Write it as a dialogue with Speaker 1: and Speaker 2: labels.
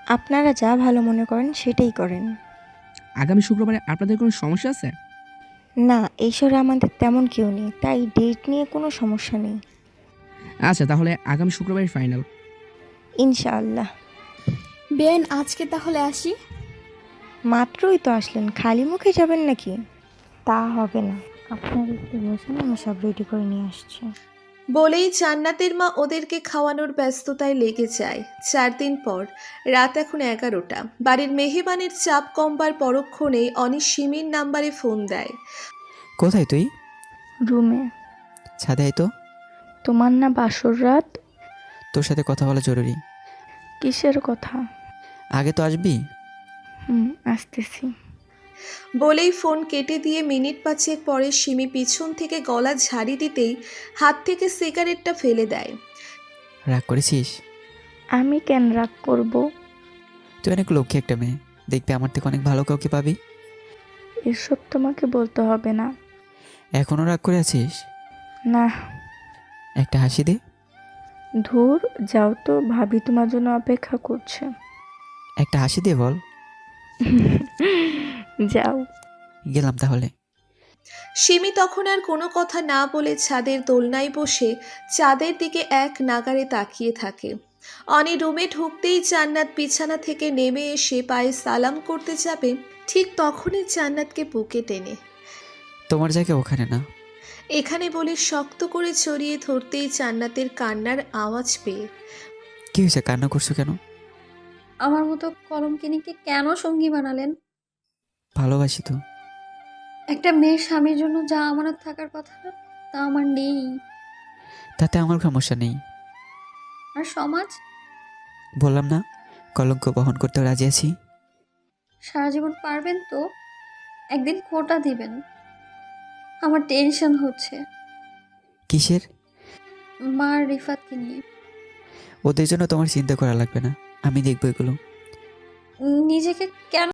Speaker 1: আপনারা যা ভালো মনে করেন সেটাই করেন।
Speaker 2: আগামী শুক্রবারে আপনাদের কোনো সমস্যা আছে?
Speaker 1: না, এই শহরে আমাদের তেমন কেউ নেই, তাই ডেট নিয়ে কোনো সমস্যা নেই।
Speaker 2: আচ্ছা, তাহলে আগামী শুক্রবারের ফাইনাল।
Speaker 1: ইনশাআল্লাহ।
Speaker 3: বেআইন আজকে তাহলে আসি।
Speaker 1: মাত্রই তো আসলেন, খালি মুখে যাবেন নাকি? তা হবে না, আপনারা একটু বসেন, আমি সব রেডি করে নিয়ে আসছি।
Speaker 4: বলেই জান্নাতের মা ওদেরকে খাওয়ানোর ব্যস্ততায় লেগে যায়। 4 দিন পর, রাত এখন 11টা। বাড়ির মেহমানের চাপ কমবার পরক্ষণেই অনি সিমির নাম্বারে ফোন দেয়।
Speaker 5: কোথায় তুই?
Speaker 1: রুমে।
Speaker 5: ছাদে আয় তো।
Speaker 1: তোমার না বাসর রাত?
Speaker 5: তোর সাথে কথা বলা জরুরি।
Speaker 1: কিসের কথা?
Speaker 5: আগে তো আসবি।
Speaker 1: আসতেছি।
Speaker 4: বলেই ফোন কেটে দিয়ে মিনিট 5 পরে সিমি পিছন থেকে গলা ঝাড়ি দিতেই হাত থেকে সিগারেটটা ফেলে দেয়।
Speaker 5: রাগ করেছিস?
Speaker 1: আমি কেন রাগ করব?
Speaker 5: তুই অনেক লক্ষ্মী একটা মেয়ে, দেখবি আমার থেকে অনেক ভালো কাউকে পাবি।
Speaker 1: এসব তোমাকে বলতে হবে না।
Speaker 5: এখনও রাগ করে আছিস?
Speaker 1: না।
Speaker 5: একটা হাসি দে।
Speaker 1: ধুর, যাও তো, ভাবি তোমার জন্য অপেক্ষা করছে।
Speaker 5: একটা হাসি দে বল।
Speaker 1: যাও।
Speaker 5: গেলাম তাহলে।
Speaker 4: সিমি তখন আর কোনো কথা না বলে ছাদের দোলনায় বসে চাঁদের দিকে এক নাগাড়ে তাকিয়ে থাকে। অনি রুমে ঢুকতেই জান্নাত বিছানা থেকে নেমে এসে পায়ে সালাম করতে যাবে, ঠিক তখনই জান্নাতকে বুকে টেনে
Speaker 5: তোমার জায়গা ওখানে না।
Speaker 4: এখানে বলে শক্ত করে জড়িয়ে ধরতেই জান্নাতের কান্নার আওয়াজ পেয়ে।
Speaker 5: কি হয়েছে, কান্না করছো কেন?
Speaker 3: আমার মতো কলমকিনীকে কেন সঙ্গী বানালেন?
Speaker 5: ভালোবাসি তো।
Speaker 3: একটা মেয়ের স্বামীর জন্য যা আমানত থাকার কথা তা আমার নেই।
Speaker 5: তাতে আমার সমস্যা নেই।
Speaker 3: আর সমাজ?
Speaker 5: বললাম না, কলঙ্ক বহন করতে রাজি আছি।
Speaker 3: সারা জীবন পারবেন তো? একদিন খোঁটা দিবেন। আমার টেনশন হচ্ছে
Speaker 5: কিসের?
Speaker 3: মা আর রিফাতকে নিয়ে।
Speaker 5: ওদের জন্য তোমার চিন্তা করা লাগবে না, আমি দেখবো এগুলো।
Speaker 3: নিজেকে কেন